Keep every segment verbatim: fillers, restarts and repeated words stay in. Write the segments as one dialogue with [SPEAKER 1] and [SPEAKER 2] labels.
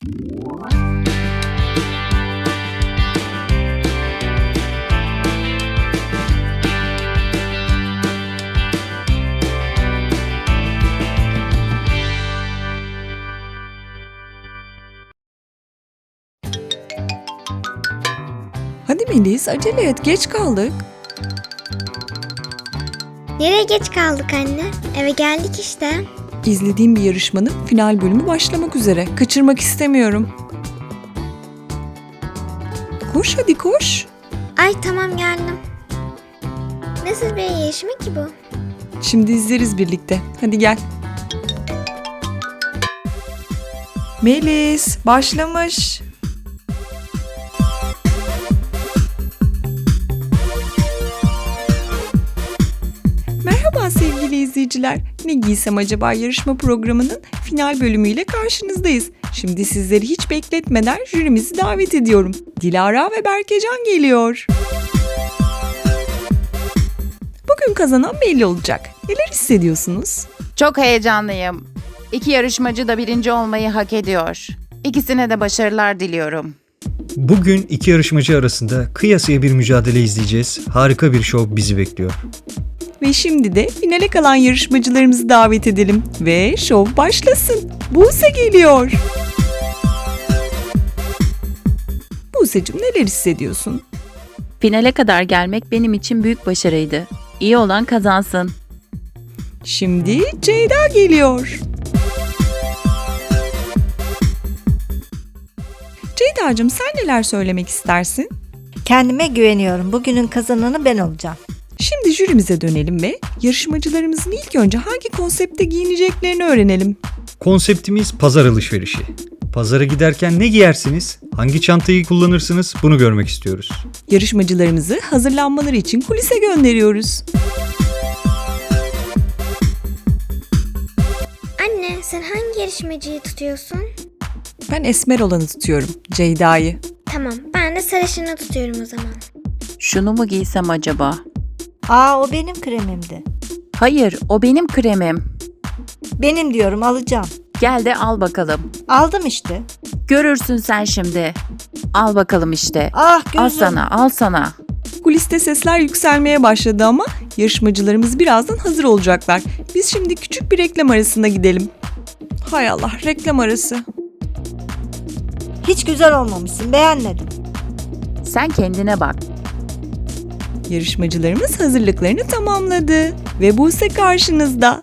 [SPEAKER 1] Hadi Melis, acele et, geç kaldık.
[SPEAKER 2] Nereye geç kaldık anne? Eve geldik işte.
[SPEAKER 1] İzlediğim bir yarışmanın final bölümü başlamak üzere. Kaçırmak istemiyorum. Koş hadi koş.
[SPEAKER 2] Ay tamam geldim. Nasıl bir yarışma ki bu?
[SPEAKER 1] Şimdi izleriz birlikte. Hadi gel. Melis, başlamış. Merhaba sevgili izleyiciler. Ne giysem acaba yarışma programının final bölümüyle karşınızdayız. Şimdi sizleri hiç bekletmeden jürimizi davet ediyorum. Dilara ve Berkecan geliyor. Bugün kazanan belli olacak. Neler hissediyorsunuz?
[SPEAKER 3] Çok heyecanlıyım. İki yarışmacı da birinci olmayı hak ediyor. İkisine de başarılar diliyorum.
[SPEAKER 4] Bugün iki yarışmacı arasında kıyasıya bir mücadele izleyeceğiz. Harika bir şov bizi bekliyor.
[SPEAKER 1] Ve şimdi de finale kalan yarışmacılarımızı davet edelim. Ve şov başlasın. Buse geliyor. Buse'cim neler hissediyorsun?
[SPEAKER 5] Finale kadar gelmek benim için büyük başarıydı. İyi olan kazansın.
[SPEAKER 1] Şimdi Ceyda geliyor. Ceyda'cığım sen neler söylemek istersin?
[SPEAKER 6] Kendime güveniyorum. Bugünün kazananı ben olacağım.
[SPEAKER 1] Şimdi jürimize dönelim ve yarışmacılarımızın ilk önce hangi konsepte giyineceklerini öğrenelim.
[SPEAKER 4] Konseptimiz pazar alışverişi. Pazara giderken ne giyersiniz? Hangi çantayı kullanırsınız? Bunu görmek istiyoruz.
[SPEAKER 1] Yarışmacılarımızı hazırlanmaları için kulise gönderiyoruz.
[SPEAKER 2] Anne sen hangi yarışmacıyı tutuyorsun?
[SPEAKER 1] Ben esmer olanı tutuyorum, Ceyda'yı.
[SPEAKER 2] Tamam ben de sarışını tutuyorum o zaman.
[SPEAKER 5] Şunu mu giysem acaba?
[SPEAKER 6] Aa o benim kremimdi.
[SPEAKER 5] Hayır, o benim kremim.
[SPEAKER 6] Benim diyorum alacağım.
[SPEAKER 5] Gel de al bakalım.
[SPEAKER 6] Aldım işte.
[SPEAKER 5] Görürsün sen şimdi. Al bakalım işte.
[SPEAKER 6] Ah gözüm.
[SPEAKER 5] Al sana, al sana.
[SPEAKER 1] Kuliste sesler yükselmeye başladı ama yarışmacılarımız birazdan hazır olacaklar. Biz şimdi küçük bir reklam arasına gidelim. Hay Allah, reklam arası.
[SPEAKER 6] Hiç güzel olmamışsın. Beğenmedim.
[SPEAKER 5] Sen kendine bak.
[SPEAKER 1] Yarışmacılarımız hazırlıklarını tamamladı ve Buse karşınızda.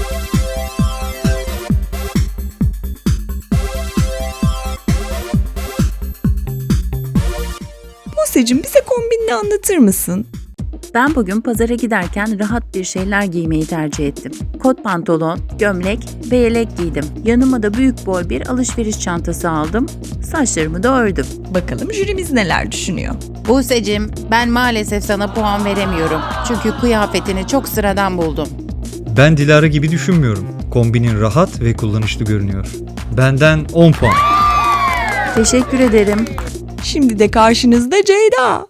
[SPEAKER 1] Buse'cim bize kombinini anlatır mısın?
[SPEAKER 5] Ben bugün pazara giderken rahat bir şeyler giymeyi tercih ettim. Kot pantolon, gömlek ve yelek giydim. Yanıma da büyük boy bir alışveriş çantası aldım. Saçlarımı da ördüm.
[SPEAKER 1] Bakalım jürimiz neler düşünüyor?
[SPEAKER 3] Buse'cim, ben maalesef sana puan veremiyorum. Çünkü kıyafetini çok sıradan buldum.
[SPEAKER 4] Ben Dilara gibi düşünmüyorum. Kombinin rahat ve kullanışlı görünüyor. Benden on puan.
[SPEAKER 5] Teşekkür ederim.
[SPEAKER 1] Şimdi de karşınızda Ceyda.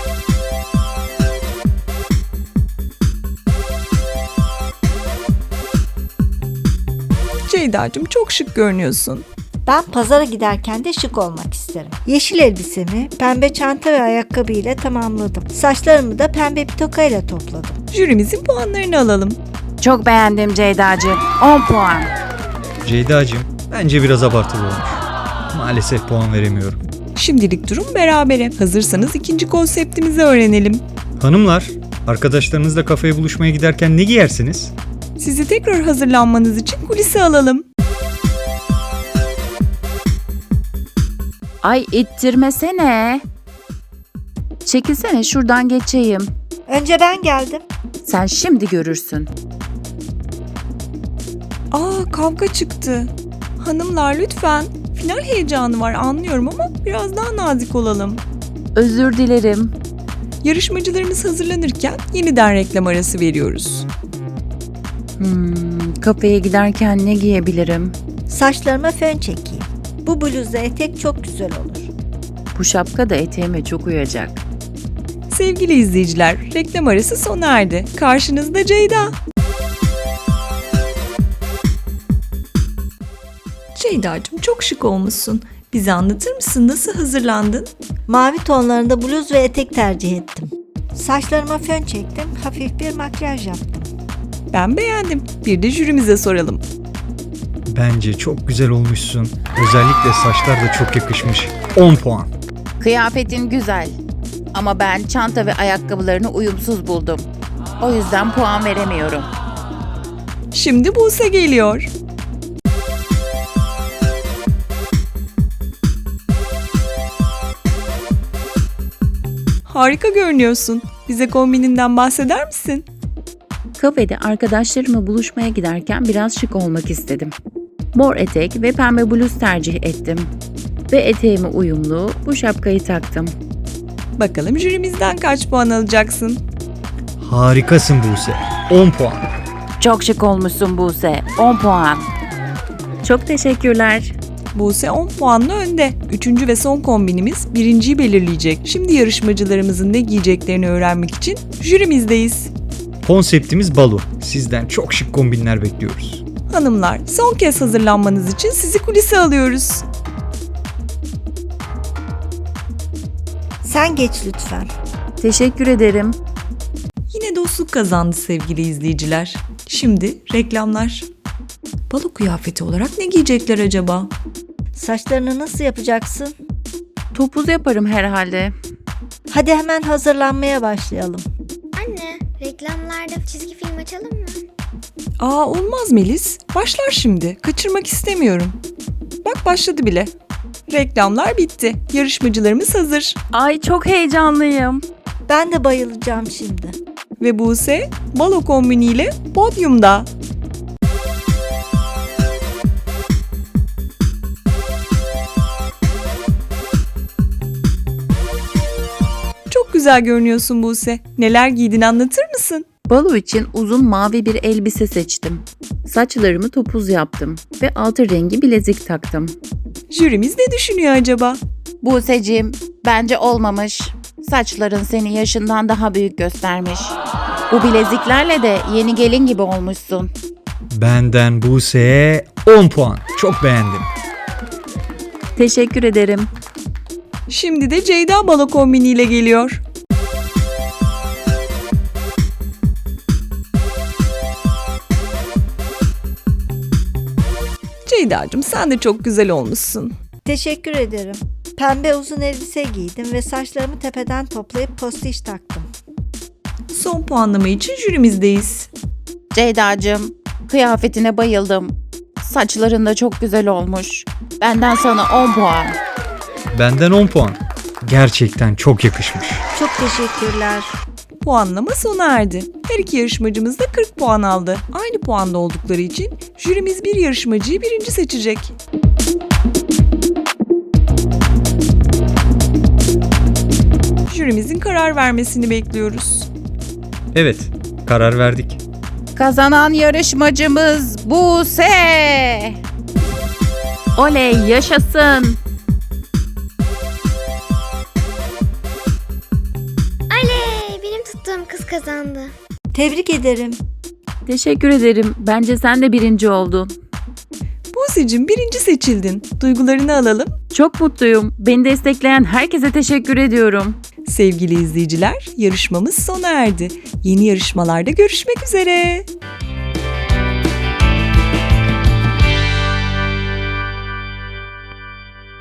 [SPEAKER 1] Ceyda'cığım çok şık görünüyorsun.
[SPEAKER 6] Ben pazara giderken de şık olmak isterim. Yeşil elbisemi pembe çanta ve ayakkabı ile tamamladım. Saçlarımı da pembe bir tokayla topladım.
[SPEAKER 1] Jürimizin puanlarını alalım.
[SPEAKER 3] Çok beğendim Ceyda'cığım. on puan.
[SPEAKER 4] Ceyda'cığım bence biraz abartılı olmuş. Maalesef puan veremiyorum.
[SPEAKER 1] Şimdilik durum berabere. Hazırsanız ikinci konseptimizi öğrenelim.
[SPEAKER 4] Hanımlar, arkadaşlarınızla kafeye buluşmaya giderken ne giyersiniz?
[SPEAKER 1] Sizi tekrar hazırlanmanız için kulise alalım.
[SPEAKER 5] Ay ittirmesene. Çekilsene şuradan geçeyim.
[SPEAKER 6] Önce ben geldim.
[SPEAKER 5] Sen şimdi görürsün.
[SPEAKER 1] Aa, kavga çıktı. Hanımlar lütfen. Final heyecanı var anlıyorum ama biraz daha nazik olalım.
[SPEAKER 5] Özür dilerim.
[SPEAKER 1] Yarışmacılarımız hazırlanırken yeniden reklam arası veriyoruz.
[SPEAKER 5] Hmm, kafeye giderken ne giyebilirim?
[SPEAKER 6] Saçlarıma fön çekeyim. Bu bluzla etek çok güzel olur.
[SPEAKER 5] Bu şapka da eteğime çok uyacak.
[SPEAKER 1] Sevgili izleyiciler, reklam arası sona erdi. Karşınızda Ceyda. Ceyda'cığım çok şık olmuşsun. Bize anlatır mısın, nasıl hazırlandın?
[SPEAKER 6] Mavi tonlarında bluz ve etek tercih ettim. Saçlarıma fön çektim, hafif bir makyaj yaptım.
[SPEAKER 1] Ben beğendim. Bir de jürimize soralım.
[SPEAKER 4] Bence çok güzel olmuşsun. Özellikle saçlar da çok yakışmış. on puan.
[SPEAKER 3] Kıyafetin güzel. Ama ben çanta ve ayakkabılarını uyumsuz buldum. O yüzden puan veremiyorum.
[SPEAKER 1] Şimdi Buse geliyor. Harika görünüyorsun. Bize kombininden bahseder misin?
[SPEAKER 5] Kafede arkadaşlarımla buluşmaya giderken biraz şık olmak istedim. Mor etek ve pembe bluz tercih ettim. Ve eteğime uyumlu bu şapkayı taktım.
[SPEAKER 1] Bakalım jürimizden kaç puan alacaksın?
[SPEAKER 4] Harikasın Buse. on puan.
[SPEAKER 3] Çok şık olmuşsun Buse. on puan.
[SPEAKER 5] Çok teşekkürler.
[SPEAKER 1] Buse on puanla önde. Üçüncü ve son kombinimiz birinciyi belirleyecek. Şimdi yarışmacılarımızın ne giyeceklerini öğrenmek için jürimizdeyiz.
[SPEAKER 4] Konseptimiz balo. Sizden çok şık kombinler bekliyoruz.
[SPEAKER 1] Hanımlar, son kez hazırlanmanız için sizi kulise alıyoruz.
[SPEAKER 6] Sen geç lütfen.
[SPEAKER 5] Teşekkür ederim.
[SPEAKER 1] Yine dostluk kazandı sevgili izleyiciler. Şimdi reklamlar. Balo kıyafeti olarak ne giyecekler acaba?
[SPEAKER 6] Saçlarını nasıl yapacaksın?
[SPEAKER 5] Topuz yaparım herhalde.
[SPEAKER 6] Hadi hemen hazırlanmaya başlayalım.
[SPEAKER 2] Anne, reklamlarda çizgi film açalım mı?
[SPEAKER 1] Aa, olmaz Melis. Başlar şimdi. Kaçırmak istemiyorum. Bak başladı bile. Reklamlar bitti. Yarışmacılarımız hazır.
[SPEAKER 5] Ay çok heyecanlıyım.
[SPEAKER 6] Ben de bayılacağım şimdi.
[SPEAKER 1] Ve Buse balo kombiniyle podyumda. Çok güzel görünüyorsun Buse. Neler giydin, anlatır mısın?
[SPEAKER 5] Balo için uzun mavi bir elbise seçtim. Saçlarımı topuz yaptım ve altın rengi bilezik taktım.
[SPEAKER 1] Jürimiz ne düşünüyor acaba?
[SPEAKER 3] Buse'cim, bence olmamış. Saçların seni yaşından daha büyük göstermiş. Bu bileziklerle de yeni gelin gibi olmuşsun.
[SPEAKER 4] Benden Buse'ye on puan. Çok beğendim.
[SPEAKER 5] Teşekkür ederim.
[SPEAKER 1] Şimdi de Ceyda balo kombiniyle geliyor. Ceyda'cığım, sen de çok güzel olmuşsun.
[SPEAKER 6] Teşekkür ederim. Pembe uzun elbise giydim ve saçlarımı tepeden toplayıp postiş taktım.
[SPEAKER 1] Son puanlama için jürimizdeyiz.
[SPEAKER 3] Ceyda'cığım, kıyafetine bayıldım. Saçların da çok güzel olmuş. Benden sana on puan.
[SPEAKER 4] Benden on puan. Gerçekten çok yakışmış.
[SPEAKER 6] Çok teşekkürler.
[SPEAKER 1] Puanlama sona erdi. Her iki yarışmacımız da kırk puan aldı. Aynı puanda oldukları için jürimiz bir yarışmacıyı birinci seçecek. Jürimizin karar vermesini bekliyoruz.
[SPEAKER 4] Evet, karar verdik.
[SPEAKER 3] Kazanan yarışmacımız Buse.
[SPEAKER 5] Oley yaşasın.
[SPEAKER 2] Oley! Benim tuttuğum kız kazandı.
[SPEAKER 6] Tebrik ederim.
[SPEAKER 5] Teşekkür ederim. Bence sen de birinci oldun.
[SPEAKER 1] Buse'cim, birinci seçildin. Duygularını alalım.
[SPEAKER 5] Çok mutluyum. Beni destekleyen herkese teşekkür ediyorum.
[SPEAKER 1] Sevgili izleyiciler, yarışmamız sona erdi. Yeni yarışmalarda görüşmek üzere.